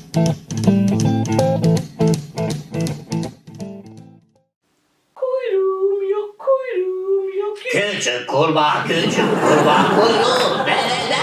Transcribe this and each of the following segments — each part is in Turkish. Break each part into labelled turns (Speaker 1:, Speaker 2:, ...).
Speaker 1: Kuyruğum yok, kuyruğum yok.
Speaker 2: Küçük kurbağa kuyruğu nerede?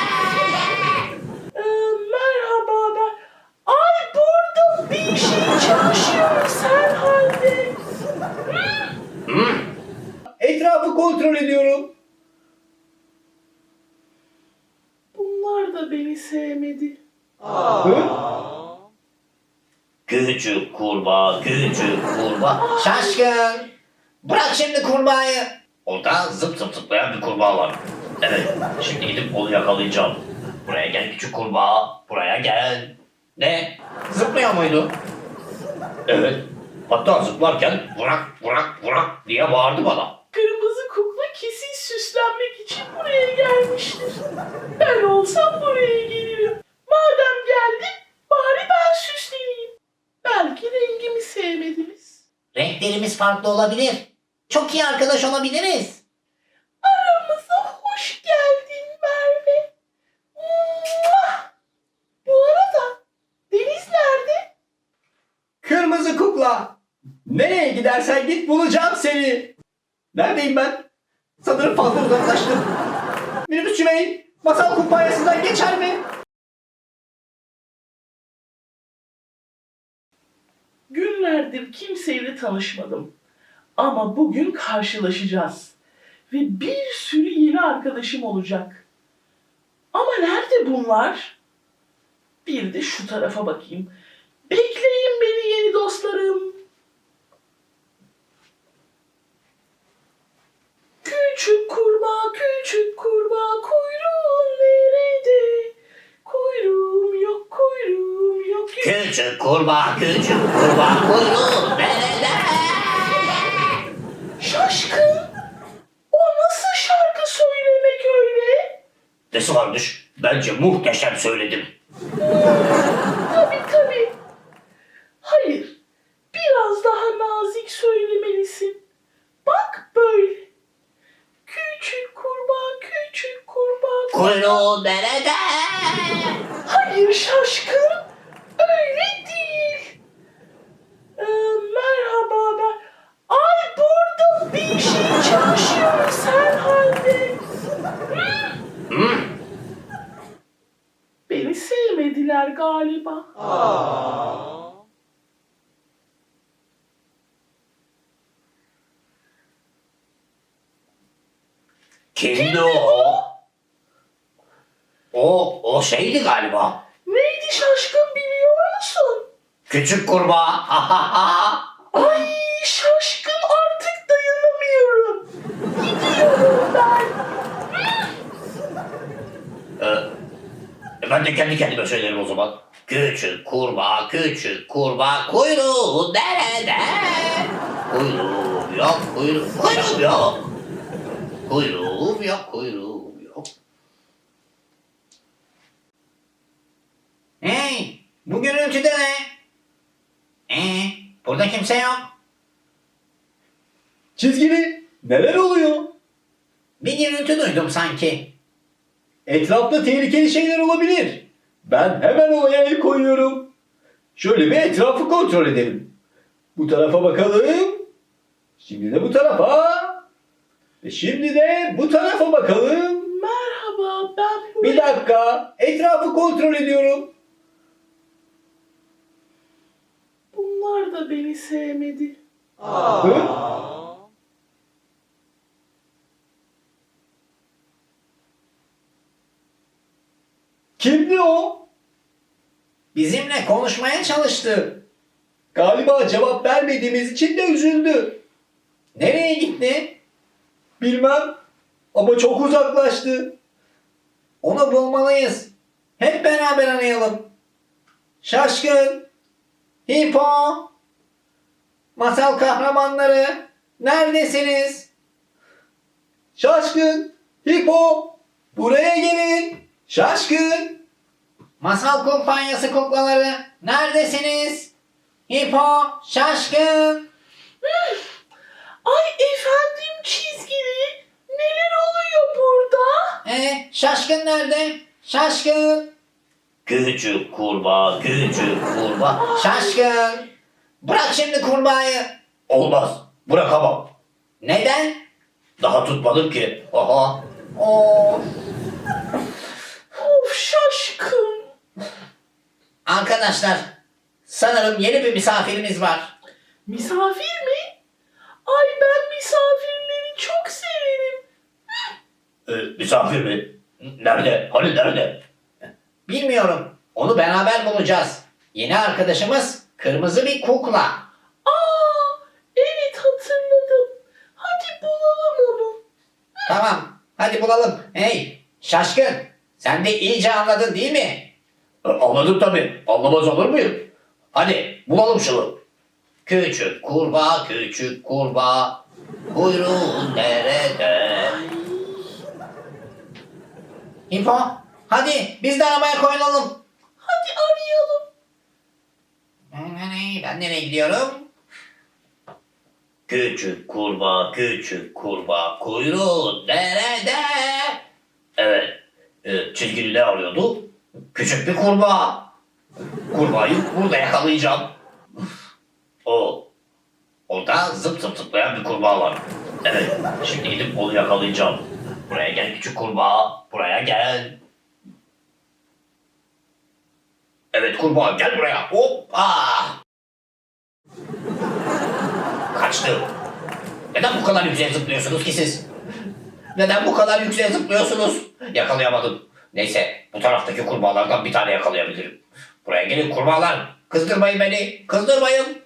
Speaker 1: Merhaba ben. Ay burada bir şey çalışıyor sen halde.
Speaker 3: Etrafı kontrol ediyorum.
Speaker 1: Bunlar da beni sevmedi.
Speaker 3: Hı?
Speaker 2: Küçük kurbağa. Şaşkın. Bırak şimdi kurbağayı. Orada zıp zıp zıplayan bir kurbağa var. Evet, şimdi gidip onu yakalayacağım. Buraya gel küçük kurbağa. Buraya gel. Ne? Zıplıyor muydu? Evet. Hatta zıplarken bırak diye bağırdı bana.
Speaker 1: Kırmızı kukla kesin süslenmek için buraya gelmiştir. Ben olsam buraya gelirim. Madem geldi bari ben süsleneyim. Belki rengimi sevmediniz.
Speaker 2: Renklerimiz farklı olabilir. Çok iyi arkadaş olabiliriz.
Speaker 1: Aramıza hoş geldin Merve. Muah! Bu arada Deniz nerede?
Speaker 3: Kırmızı kukla. Nereye gidersen git bulacağım seni. Neredeyim ben? Sanırım fazla uzaklaştım. Minibüsçü bey, masal kumpanyasından geçer mi?
Speaker 1: Günlerdir kimseyle tanışmadım. Ama bugün karşılaşacağız. Ve bir sürü yeni arkadaşım olacak. Ama nerede bunlar? Bir de şu tarafa bakayım. Bekleyin beni yeni dostlarım. Küçük kurbağa kuyruğun nerede? Kuyruğum yok.
Speaker 2: Küçük kurbağa kuyruğu nerede?
Speaker 1: Şaşkın. O nasıl şarkı söylemek öyle?
Speaker 2: Nesi varmış? Bence muhteşem söyledim.
Speaker 1: Tabii. Hayır. Biraz daha nazik söylemelisin. Bak böyle. Küçük kurbağa.
Speaker 2: Kuyruğu nerede?
Speaker 1: Hayır şaşkın. Öyle değil. Merhaba ben. Ay burada bir şey çalışıyor sen halde. Beni sevmediler galiba.
Speaker 2: Kimdi o? O şeydi galiba.
Speaker 1: Neydi şaşkın biliyor musun?
Speaker 2: Küçük kurbağa.
Speaker 1: Ay şaşkın artık dayanamıyorum. Gidiyorum ben.
Speaker 2: Ben de kendi kendime söylerim o zaman. Küçük kurbağa kuyruğu nerede? Kuyruğum yok. Kuyruğum yok. Hey, bu gürültüde ne? Burada kimse yok.
Speaker 3: Çizgili, neler oluyor?
Speaker 2: Bir gürültü duydum sanki.
Speaker 3: Etrafta tehlikeli şeyler olabilir. Ben hemen olaya el koyuyorum. Şöyle bir etrafı kontrol edelim. Bu tarafa bakalım. Şimdi de bu tarafa. Ve şimdi de bu tarafa bakalım.
Speaker 1: Merhaba ben buraya...
Speaker 3: Bir dakika. Etrafı kontrol ediyorum.
Speaker 1: Bunlar da beni sevmedi.
Speaker 3: Hı? Kimdi o?
Speaker 2: Bizimle konuşmaya çalıştı.
Speaker 3: Galiba cevap vermediğimiz için de üzüldü.
Speaker 2: Nereye gitti?
Speaker 3: Bilmem ama çok uzaklaştı.
Speaker 2: Onu bulmalıyız. Hep beraber arayalım. Şaşkın, Hipo, masal kahramanları, neredesiniz?
Speaker 3: Şaşkın, Hipo, buraya gelin. Şaşkın.
Speaker 2: Masal kumpanyası kuklaları, neredesiniz? Hipo, Şaşkın.
Speaker 1: Ay efendim çizgili. Neler oluyor burada?
Speaker 2: Şaşkın nerede? Şaşkın. Küçük kurbağa, küçük kurbağa.
Speaker 4: Şaşkın. Bırak şimdi kurbağayı.
Speaker 2: Olmaz. Bırakamam.
Speaker 4: Neden?
Speaker 2: Daha tutmadım ki. Aha.
Speaker 4: Of.
Speaker 1: Of şaşkın.
Speaker 4: Arkadaşlar, sanırım yeni bir misafirimiz var.
Speaker 1: Misafir mi? Ay ben misafirleri çok severim.
Speaker 2: Misafir mi? Nerede? Hani nerede?
Speaker 4: Bilmiyorum. Onu beraber bulacağız. Yeni arkadaşımız kırmızı bir kukla.
Speaker 1: Aa, evet hatırladım. Hadi bulalım onu.
Speaker 4: Tamam, hadi bulalım. Hey, Şaşkın. Sen de iyice anladın değil mi?
Speaker 2: Anladım tabii. Anlamaz olur muyum? Hadi bulalım şunu.
Speaker 4: Küçük kurbağa, küçük kurbağa. Kuyruğun nerede? Hippo, hadi biz de arabaya koyulalım.
Speaker 1: Hadi arayalım.
Speaker 4: Ben nereye gidiyorum?
Speaker 2: Küçük kurbağa, küçük kurbağa, kuyruğun nerede? Evet. Çizgili ne arıyordu? Küçük bir kurbağa. Kurbağayı burada yakalayacağım. Orada zıp zıp zıplayan bir kurbağa var. Evet. Şimdi gidip onu yakalayacağım. Buraya gel küçük kurbağa. Buraya gel. Evet kurbağa gel buraya. Hoppa. Kaçtı. Neden bu kadar yükseğe zıplıyorsunuz ki siz? Neden bu kadar yükseğe zıplıyorsunuz? Yakalayamadım. Neyse bu taraftaki kurbağalardan bir tane yakalayabilirim. Buraya gelin kurbağalar. Kızdırmayın beni. Kızdırmayın.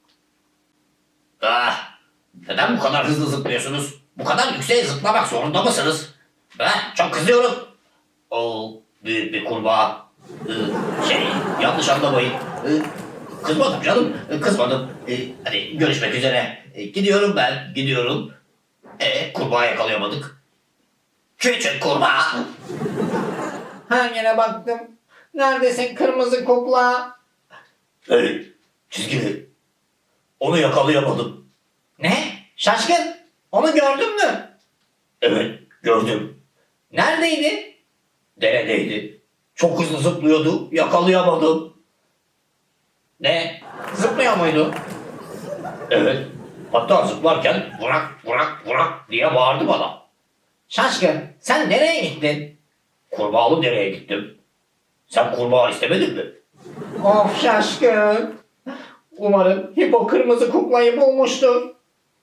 Speaker 2: Neden bu kadar hızlı zıplıyorsunuz? Bu kadar yükseğe zıplamak zorunda mısınız? Çok kızıyorum. Büyük bir kurbağa. Yanlış anlamayın. Kızmadım canım. Kızmadım. Hadi görüşmek üzere. Gidiyorum ben. Gidiyorum. Kurbağa yakalayamadık. Küçük kurbağa.
Speaker 4: Her yere baktım. Neredesin kırmızı kukla?
Speaker 2: Hey, çizgili. Onu yakalayamadım.
Speaker 4: Ne? Şaşkın. Onu gördün mü?
Speaker 2: Evet, gördüm.
Speaker 4: Neredeydi?
Speaker 2: Deredeydi. Çok hızlı zıplıyordu. Yakalayamadım.
Speaker 4: Ne? Zıplıyor muydu?
Speaker 2: Evet. Hatta zıplarken vurak vurak vurak diye bağırdı bana.
Speaker 4: Şaşkın. Sen nereye gittin?
Speaker 2: Kurbağalı dereye gittim. Sen kurbağa istemedin mi?
Speaker 4: Of Şaşkın. Umarım Hippo kırmızı kuklayı bulmuştur.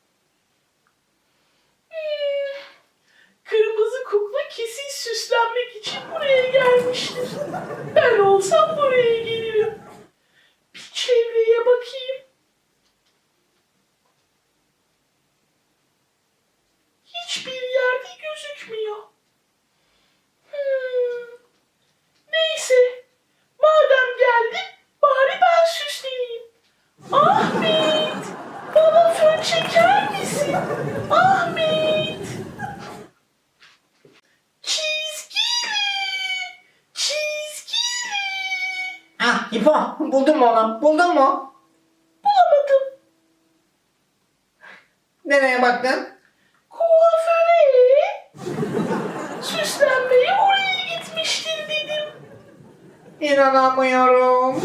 Speaker 1: Kırmızı kukla kesin süslenmek için buraya gelmiştir. Ben olsam buraya gelirim. Bir çevreye bakayım. Hiçbir yerde gözükmüyor. Neyse. Madem geldim bari ben süsleneyim. Ahmet! Bana fön çeker misin? Ahmet! Çizgili! Çizgili!
Speaker 4: Ah Hippo buldun mu onu? Buldun mu?
Speaker 1: Bulamadım.
Speaker 4: Nereye baktın?
Speaker 1: Kuaföre. Süslenmeye oraya gitmiştir dedim.
Speaker 4: İnanamıyorum.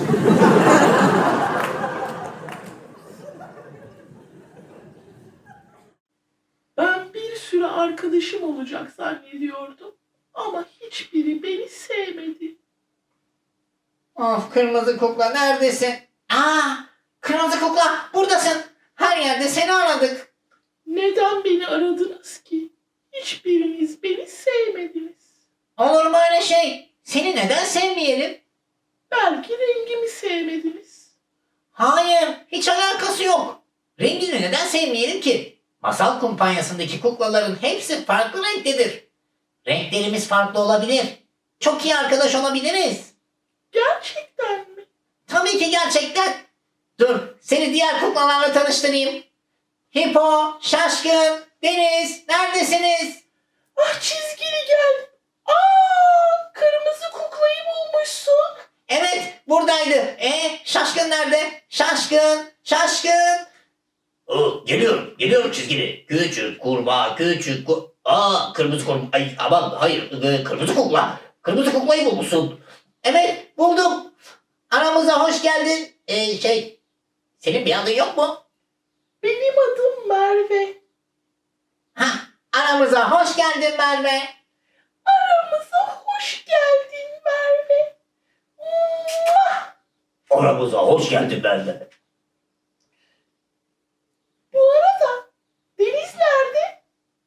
Speaker 1: Ben bir sürü arkadaşım olacak zannediyordum. Ama hiçbiri beni sevmedi.
Speaker 4: Of kırmızı kukla neredesin? Aa, kırmızı kukla buradasın. Her yerde seni aradık.
Speaker 1: Neden beni aradınız ki? Hiçbiriniz beni sevmediniz.
Speaker 4: Olur mu öyle şey? Seni neden sevmeyelim?
Speaker 1: Belki rengimi sevmediniz.
Speaker 4: Hayır, hiç alakası yok. Rengini neden sevmeyelim ki? Masal kumpanyasındaki kuklaların hepsi farklı renktedir. Renklerimiz farklı olabilir. Çok iyi arkadaş olabiliriz.
Speaker 1: Gerçekten mi?
Speaker 4: Tabii ki gerçekten. Dur, seni diğer kuklalarla tanıştırayım. Hippo, Şaşkın, Deniz, neredesiniz?
Speaker 1: Ah çizgili gel. Aa, kırmızı kuklayı bulmuşsun.
Speaker 4: Evet, buradaydı. Şaşkın nerede? Şaşkın, Şaşkın.
Speaker 2: Geliyorum. Geliyorum çizgili. Küçük kurbağa, küçük kırmızı kurbağa. Ay aman hayır. Kırmızı kukla. Kırmızı kuklayı bulmuşsun.
Speaker 4: Evet, Buldum. Aramıza hoş geldin. Senin bir adın yok mu?
Speaker 1: Benim adım Merve.
Speaker 4: Ha, aramıza hoş geldin Merve.
Speaker 1: Aramıza hoş geldin Merve. Muah!
Speaker 2: Aramıza hoş geldin Merve.
Speaker 1: Bu arada Deniz nerede?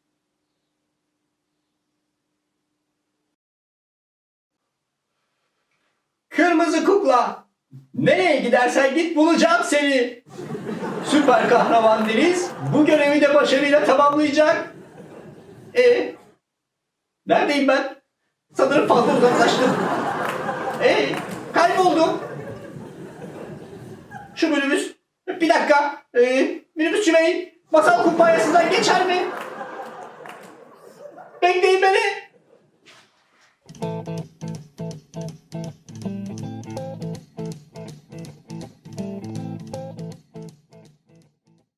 Speaker 3: Kırmızı kukla. Nereye gidersen git bulacağım seni. Süper kahraman Deniz bu görevi de başarıyla tamamlayacak. Neredeyim ben? Sanırım fazla uzaklaştım. Kayboldum. Şu minibüs. Bir dakika. Minibüsçü bey. Masal kumpanyasından geçer